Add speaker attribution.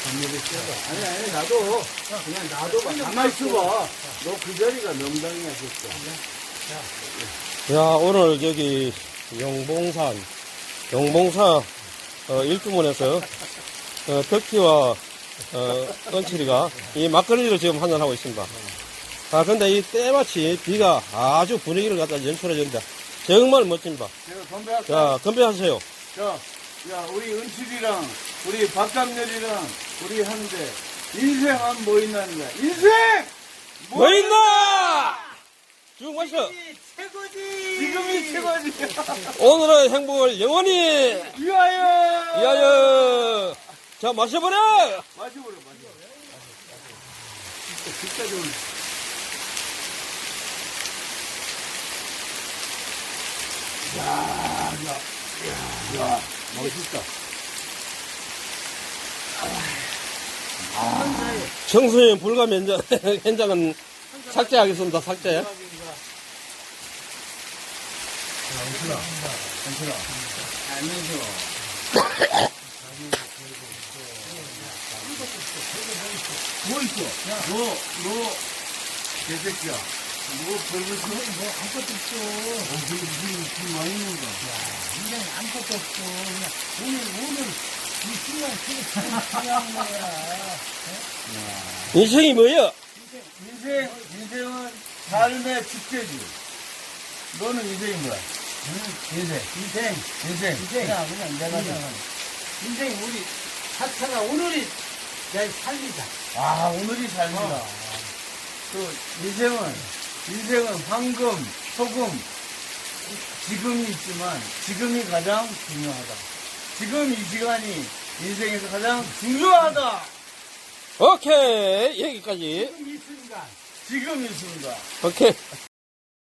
Speaker 1: 아니, 나도, 그냥 놔둬봐. 가만히 있어봐. 너 그 자리가 명당이야, 진짜.
Speaker 2: 야, 오늘 저기 용봉사 일주문에서 덕희와 은칠이가 이 막걸리를 지금 한잔하고 있습니다. 아, 근데 이 때마치 비가 아주 분위기를 갖다 연출해줍니다. 정말 멋집니다.
Speaker 1: 제가 건배할까?
Speaker 2: 자, 건배하세요.
Speaker 1: 자, 야, 우리 은칠이랑, 우리 박감렬이랑, 우리 하는데, 인생 하면 뭐 있나는 거야? 인생!
Speaker 2: 뭐 있나? 쭉 마셔.
Speaker 3: 최고지.
Speaker 1: 지금이 최고지.
Speaker 2: 오늘의 행복을 영원히
Speaker 1: 위하여!
Speaker 2: 위하여. 자, 마셔버려.
Speaker 1: 마셔보려. 진짜 좋은. 야, 멋있다.
Speaker 2: 청소년 불감 현장은 삭제하겠습니다. 삭제.
Speaker 1: 뭐 있어? 너, 개새끼야. 뭐, 별거 있어?
Speaker 3: 뭐 아무것도 없어.
Speaker 1: 무슨 많이 있는 거야.
Speaker 3: 인생에 아무것도 없어. 그냥 오늘 이 순간 중요한 거야.
Speaker 2: 인생이 뭐야?
Speaker 1: 인생은 삶의 축제지. 너는 인생이 뭐야? 인생.
Speaker 3: 그냥 내가 생각하는. 인생 우리 자체가 오늘이 내 삶이다.
Speaker 1: 아, 오늘이 삶이다. 또, 인생은 황금, 소금, 지금이 있지만, 지금이 가장 중요하다. 지금 이 시간이 인생에서 가장 중요하다.
Speaker 2: 오케이. 여기까지.
Speaker 3: 이 순간.
Speaker 1: 지금 이 순간.
Speaker 2: 오케이.